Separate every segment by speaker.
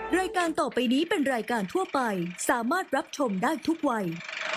Speaker 1: รายการต่อไปนี้เป็นรายการทั่วไปสามารถรับชมได้ทุกวัย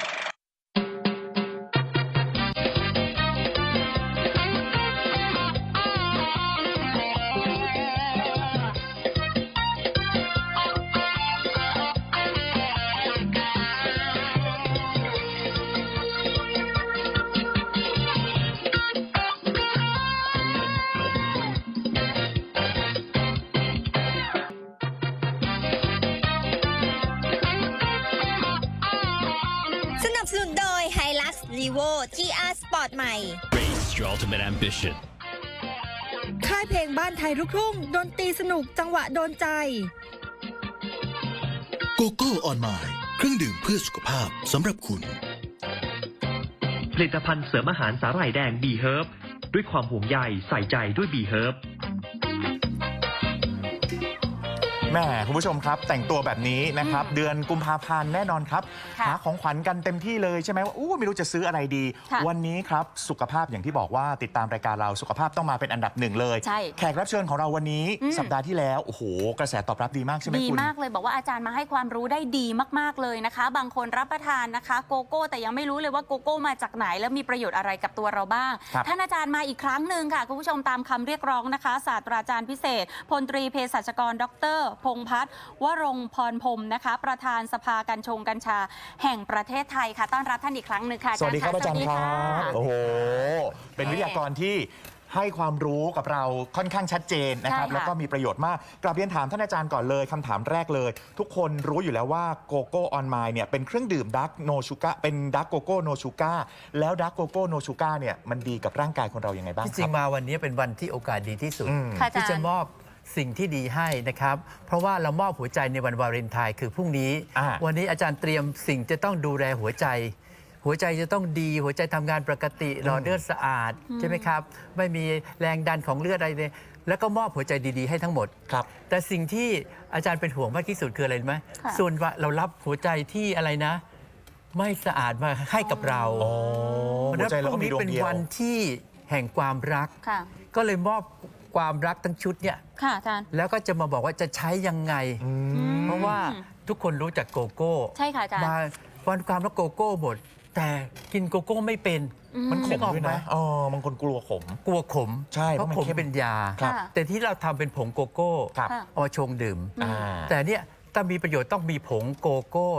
Speaker 2: สนับสนุนโดย Hilux Levo GR Sport ใหม่
Speaker 3: Race your ultimate ambition
Speaker 2: ค่ายเพลงบ้านไทยลูกทุ่งดนตรีสนุกจังหวะโดนใจ
Speaker 4: โกโก้ออนไมล์เครื่องดื่มเพื่อสุขภาพสำหรับคุณ
Speaker 5: ผลิตภัณฑ์เสริมอาหารสาหร่ายแดงบีเฮิร์บด้วยความห่วงใยใส่ใจด้วยบีเฮิร์บ
Speaker 6: แม่คุณผู้ชมครับแต่งตัวแบบนี้นะครับเดือนกุมภาพันธ์แน่นอนครับหาของขวัญกันเต็มที่เลยใช่ไหมว่าไม่รู้จะซื้ออะไรดีวันนี้ครับสุขภาพอย่างที่บอกว่าติดตามรายการเราสุขภาพต้องมาเป็นอันดับหนึ่งเลยแขกรับเชิญของเราวันนี้สัปดาห์ที่แล้วโอ้โหกระแสตอบรับดีมากใช่ไหมคุณ
Speaker 7: ดีมากเลยบอกว่าอาจารย์มาให้ความรู้ได้ดีมากๆเลยนะคะบางคนรับประทานนะคะโกโก้แต่ยังไม่รู้เลยว่าโกโก้มาจากไหนแล้วมีประโยชน์อะไรกับตัวเราบ้างท่านอาจารย์มาอีกครั้งหนึ่งค่ะคุณผู้ชมตามคำเรียกร้องนะคะศาสตราจารย์พิเศษพลตรีเภสัชกรดร.พงษ์พัฒน์วรงค์พรพรหมนะคะประธานสภากัญชงกัญชาแห่งประเทศไทยค่ะต้อนรับท่านอีกครั้งหนึ่งค่ะ
Speaker 6: สวัสดีครับอาจารย์ครับโอ้โหเป็นวิทยากรที่ให้ความรู้กับเราค่อนข้างชัดเจนนะครับแล้วก็มีประโยชน์มากกลับเรียนถามท่านอาจารย์ก่อนเลยคำถามแรกเลยทุกคนรู้อยู่แล้วว่าโกโก้ออนไมล์เนี่ยเป็นเครื่องดื่มดักโนชูก้าเป็นดักโกโก้โนชูก้าแล้วดักโกโก้โนชูก้าเนี่ยมันดีกับร่างกายคนเรายังไงบ้างครับ
Speaker 8: จริงมาวันนี้เป็นวันที่โอกาสดีที่สุดที่จะมอบสิ่งที่ดีให้นะครับเพราะว่าเรามอบหัวใจในวันวาเลนไทน์คือพรุ่งนี้วันนี้อาจารย์เตรียมสิ่งจะต้องดูแลหัวใจจะต้องดีหัวใจทำงานปกติหลอดเลือดสะอาดใช่ไหมครับไม่มีแรงดันของเลือดอะไรเลยแล้วก็มอบหัวใจดีๆให้ทั้งหมด
Speaker 6: ครับ
Speaker 8: แต่สิ่งที่อาจารย์เป็นห่วงมากที่สุดคืออะไรรู้ไหมส่วนว่าเรารับหัวใจที่อะไรนะไม่สะอาดมาให้กับเรา
Speaker 6: หัวใจเราก็มีดวงเดียว
Speaker 8: เป็นวันที่แห่งความรักก็เลยมอบความรักทั้งชุดเนี่ยแล้วก็จะมาบอกว่าจะใช้ยังไงเพราะว่าทุกคนรู้จักโกโก้
Speaker 7: ใช่ค่ะอาจารย์
Speaker 8: มาวันความรักโกโก้หมดแต่กินโกโก้ไม่เป็น
Speaker 6: มันขมด้วยนะบางคนกลัวขมใช่
Speaker 8: เพราะขมเป็นยาแต่ที่เราทำเป็นผงโกโก้เอาชงดื่มแต่เนี่ยถ้ามีประโยชน์ต้องมีผงโกโก้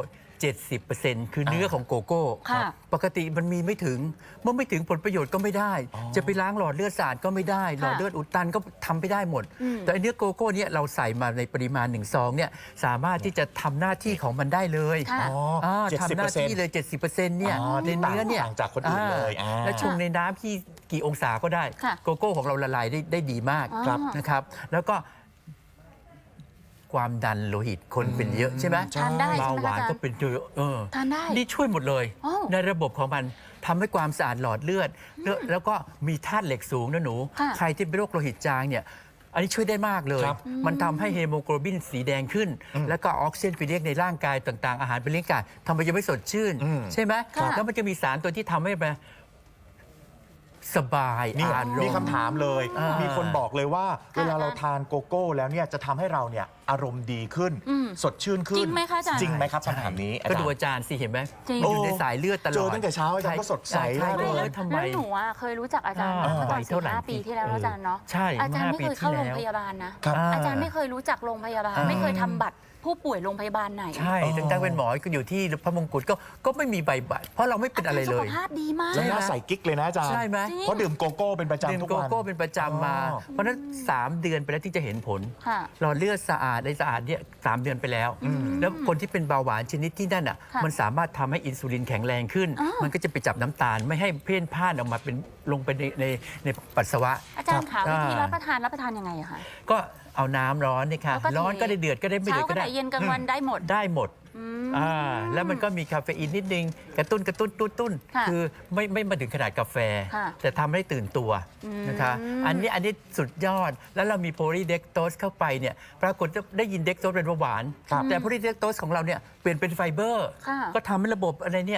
Speaker 8: 70%คือเนื้อของโกโก้ปกติมันมีไม่ถึงเมื่อไม่ถึงผลประโยชน์ก็ไม่ได้จะไปล้างหลอดเลือดสะอาดก็ไม่ได้หลอดเลือดอุดตันก็ทำไม่ได้หมดแต่เนื้อโกโก้เนี่ยเราใส่มาในปริมาณ1 ซองเนี่ยสามารถที่จะทำหน้าที่ของมันได้เลยทำหน้าที่เลย 70% เนี่ยในเนื้อเนี่ย
Speaker 6: ต่างจากคนอื่นเลย
Speaker 8: และชงในน้ำที่กี่องศาก็ได้โกโก้ของเราละลายได้ดีมากนะครับแล้วก็ความดันโลหิตคนเป็นเยอะใช่ไหมเบาหวานก็เป็นเยอะ
Speaker 7: ทานได้
Speaker 8: นี่ช่วยหมดเลยในระบบของมันทำให้ความสะอาดหลอดเลือดแล้วก็มีธาตุเหล็กสูงนะหนูใครที่เป็นโรคโลหิตจางเนี่ยอันนี้ช่วยได้มากเลยมันทำให้เฮโมโกลบินสีแดงขึ้นแล้วก็ออกซิเจนไปเลี้ยงในร่างกายต่างๆอาหารไปเลี้ยงกายทำให้ยังไม่สดชื่นใช่ไหมแล้วมันจะมีสารตัวที่ทำให้สบาย
Speaker 6: มีคำถามเลยมีคนบอกเลยว่าเวลาเราทานโกโก้แล้วเนี่ยจะทำให้เราเนี่ยอารมณ์ดีขึ้นสดชื่นขึ้น
Speaker 7: จริงไหมคะอาจารย์
Speaker 6: จริงไหมครับคำถามนี้
Speaker 8: ก็ดูอาจารย์สิเห็นไหมอยู่ในสายเลือดตลอด
Speaker 6: เจอตั้งแต่เช้าอาจารย์ก็สดใส
Speaker 7: เลยทำไมหนูเคยรู้จักอาจารย์เมื่อตอน4-5 ปีที่แล้วอาจารย์เนาะอาจารย์ไม่เคยเข้าโรงพยาบาลนะอาจารย์ไม่เคยรู้จักโรงพยาบาลไม่เคยทำบัตรผู้ป่วยโรงพยาบาลไหน
Speaker 8: ใช่ตั้งแต่เป็นหมอก็อยู่ที่พระมงกุฎก็ไม่มีใบบัตรเพราะเราไม่เป็นอะไรเลย
Speaker 7: สุขภาพดีมาก
Speaker 6: แล้วน่าใส่กิ๊กเลยนะอาจารย์
Speaker 8: ใช่ไหม
Speaker 6: เพราะดื่มโกโก้เป็นประจำทุกวัน
Speaker 8: ดื่มโกโก้เป็นประจำมาเพราะนั้น3 เดือนไปแล้วที่จะเห็นผลหลอดเลือดสะอาดในสะอาดเนี่ย3 เดือนไปแล้วแล้วคนที่เป็นเบาหวานชนิดที่นั่นอ่ะมันสามารถทำให้อินซูลินแข็งแรงขึ้นมันก็จะไปจับน้ำตาลไม่ให้เพ่นพ่านออกมาเป็นลงไปในปัสสาวะ
Speaker 7: อาจารย์คะวิธีรับประทานยังไงอะคะ
Speaker 8: ก็เอาน้ำร้อนนี่ค่ะร้อนก็ได้เดือดก็ได้ไม่เดือดก็ได้
Speaker 7: เย็นกลางวันได้หมด
Speaker 8: แล้วมันก็มีคาเฟอีนนิดนึงกระตุ้นคือไม่มาถึงขนาดกาแฟแต่ทำให้ตื่นตัวนะคะอันนี้สุดยอดแล้วเรามีโพลีเดกโตสเข้าไปเนี่ยปรากฏได้ยินเดกโตสเป็นเบาหวานแต่โพลีเดกโตสของเราเนี่ยเปลี่ยนเป็นไฟเบอร์ก็ทำให้ระบบอะไรเนี่ย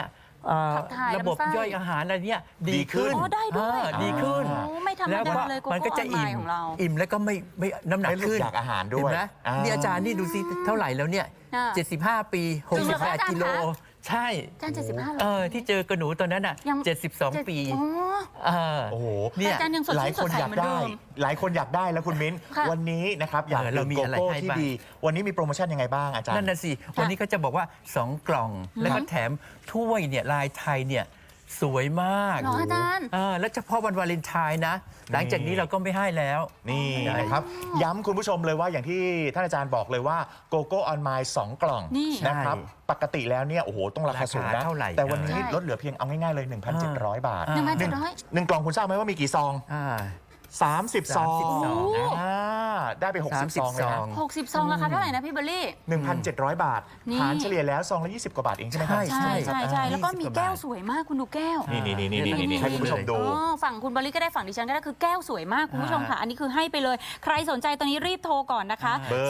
Speaker 7: ขับถ่าย
Speaker 8: ระบบ
Speaker 7: ลำไส้
Speaker 8: ย่อยอาหารอะไรเนี่ยดี
Speaker 6: ดีขึ้
Speaker 8: ขึ้
Speaker 6: น
Speaker 8: น
Speaker 7: อ๋อได้ด้วย
Speaker 8: ดีขึ้น
Speaker 7: โอ้ไม่ธรรม
Speaker 8: แล้ว
Speaker 7: ดา
Speaker 8: ก็
Speaker 7: เลยโก
Speaker 8: มันก็
Speaker 7: โก้อ
Speaker 8: จะ
Speaker 7: อนไล
Speaker 8: อิ่ม
Speaker 7: น์ของเรา
Speaker 8: อิ่มแล้วก็ไม่น้ำหนัก
Speaker 6: ไม่รู้
Speaker 8: ขึ้น
Speaker 6: อยากอาหารด้วย
Speaker 8: เห็นไหม นี่อาจารย์นี่ดูสิเท่าไหร่แล้วเนี่ย
Speaker 7: อ่า
Speaker 8: 75 ปี
Speaker 7: จริงเหรอคะอาจารย์
Speaker 8: 68 กิโล
Speaker 7: คะ
Speaker 8: ใช่
Speaker 7: อาจารย์75เหรอ
Speaker 8: ที่เจอกระหนูตอนนั้นอ่ะ
Speaker 7: ยัง
Speaker 8: 72 ปี
Speaker 7: อ๋อ
Speaker 8: เออ
Speaker 6: โอ้โห
Speaker 8: เนี่ย
Speaker 7: อาจารย์ยังสด
Speaker 6: หลาย
Speaker 7: ชื่น
Speaker 6: ค
Speaker 7: สด
Speaker 6: น
Speaker 7: ใส
Speaker 6: อยาก
Speaker 7: เหมือน
Speaker 6: ได้
Speaker 7: เดิม
Speaker 6: หลายคนอยากได้แล้วคุณมิ้น
Speaker 7: ค่ะ
Speaker 6: วันนี้นะครับอยาก
Speaker 8: เรา
Speaker 6: ดื่ม
Speaker 8: มี
Speaker 6: โก
Speaker 8: อะไร
Speaker 6: โก้
Speaker 8: ให้
Speaker 6: ที่
Speaker 8: บ้าง
Speaker 6: ดี วันนี้มีโปรโมชั่นยังไงบ้างอาจารย์
Speaker 8: นั่นน่ะสิ วันนี้ก็จะบอกว่า 2 กล่อง แล้วก็แถมถ้วยเนี่ยลายไทยเนี่ยสวยมาก
Speaker 7: เหรออาจารย์
Speaker 8: แล้วเฉพาะวันวาเลนไทน์นะ หลังจากนี้เราก็ไม่ให้แล้ว
Speaker 6: นี่นะครับ ย้ำคุณผู้ชมเลยว่าอย่างที่ท่านอาจารย์บอกเลยว่าโกโก้ออนไมล์2กล่อง
Speaker 7: นี่
Speaker 6: นะครับ
Speaker 8: ใช่
Speaker 6: ปกติแล้วเนี่ยโอ้โหต้องราคาสูงนะ
Speaker 8: ราคาเท่าไหร่
Speaker 6: แต่วันนี้
Speaker 7: ใช่
Speaker 6: ลดเหลือเพียงเอาง่ายๆเลย 1,700 บาท
Speaker 8: อ่า
Speaker 7: 1,700
Speaker 6: หนึ่งกล่องคุณทราบไหมว่ามีกี่ซอง
Speaker 8: อ่า
Speaker 6: 30 ซอง
Speaker 8: 30ซอง
Speaker 6: อ่าได้ไป 60 ซองเลยนะ
Speaker 7: 60 ซองราคาเท่าไหร่นะพี่เบลลี่
Speaker 6: 1,700 บาท
Speaker 7: นี่
Speaker 6: หารเฉลี่ยแล้วซองละ20 กว่าบาทเองใช่ไหมครับ
Speaker 8: ใช่
Speaker 7: ใช่แล้วก็มี
Speaker 8: 20
Speaker 7: แก้ว
Speaker 8: บาท
Speaker 7: สวยมากคุณดูแก้ว
Speaker 6: นี่ให้คุณผู้ชมดู
Speaker 7: อ๋อฝั่งคุณบริก็ได้ฝั่งดิฉันก็ได้คือแก้วสวยมากคุณผู้ชมค่ะ อันนี้คือให้ไปเลย ใครสนใจตอนนี้รีบโทรก่อนนะคะ
Speaker 6: เบอร์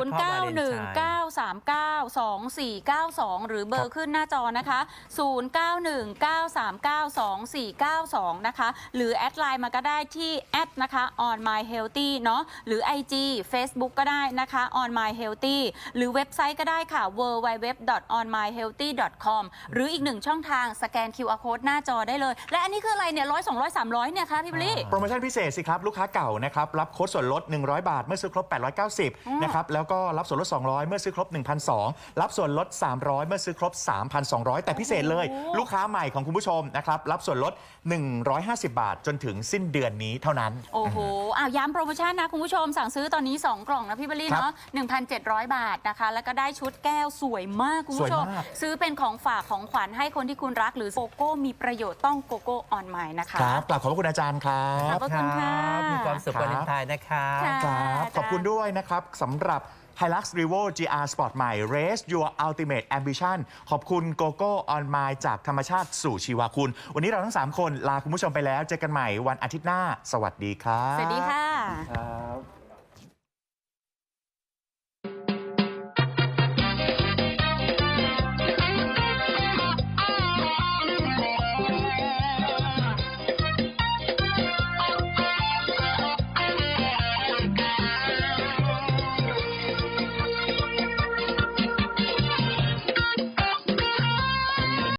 Speaker 7: 0919392492 หรือเบอร์ขึ้นหน้าจอนะคะ 0919392492 นะคะ หรือแอดไลน์มาก็ได้ที่แอดนะคะ on my healthy เนาะหรือ IG Facebook ก็ได้นะคะ on my healthy หรือเว็บไซต์ก็ได้ค่ะ www.onmyhealthy.com หรืออีกหนึ่งช่องทางสแกน QR code หน้าจอได้เลย และอันนี้คืออะไรเนี่ย100 200 300เนี่ยคะพี่บลลี่
Speaker 6: โปรโมชั่นพิเศษสิครับ ลูกค้าเก่านะครับรับโค้ดส่วนลด 100 บาท เมื่อซื้อครบ 890 นะครับแล้วก็รับส่วนลด 200 เมื่อซื้อครบ 1,200 รับส่วนลด 300 เมื่อซื้อครบ 3,200 แต่พิเศษเลย ลูกค้าใหม่ของคุณผู้ชมนะครับรับส่วนลด 150 บาทจนถึงสิ้นเดือนนี้เท่านั้น
Speaker 7: โอ้โหย้ำโปรโมชั่นนะคุณผู้ชมสั่งซื้อตอนนี้ 2 กล่องนะพี่เบลลี่
Speaker 6: ครับ
Speaker 7: เนาะ 1,700 บาทนะคะ แล้วก็ได้ชุดแก้วสวยมากคุณผู้ชม
Speaker 6: สวยมาก
Speaker 7: ซื้อเป็นของฝากของขวัญให้คนที่คุณรักหรือโกโก้มีประโยชน์ต้องโกโก้ออนไมล์นะคะ
Speaker 6: ครับกลับขอบพระคุณอาจารย์ครั
Speaker 7: ขอบ บพระคุณค่ะ
Speaker 8: มีความสุข
Speaker 6: ครับ
Speaker 8: วาเลนไทน์นะครับ
Speaker 7: ค่ะ
Speaker 6: ครับขอบคุณด้วยนะครับสำหรับ Hilux Revo GR Sport ใหม่ Race Your Ultimate Ambition ขอบคุณโกโก้ออนไมล์จากธรรมชาติสู่ชีวาคุณ วันนี้เราทั้ง 3 คนลาคุณผู้ชมไปแล้ว เจอกันใหม่วันอาทิตย์หน้า สวัสดีครับ
Speaker 7: สวัสดีค่ะ
Speaker 6: ครับ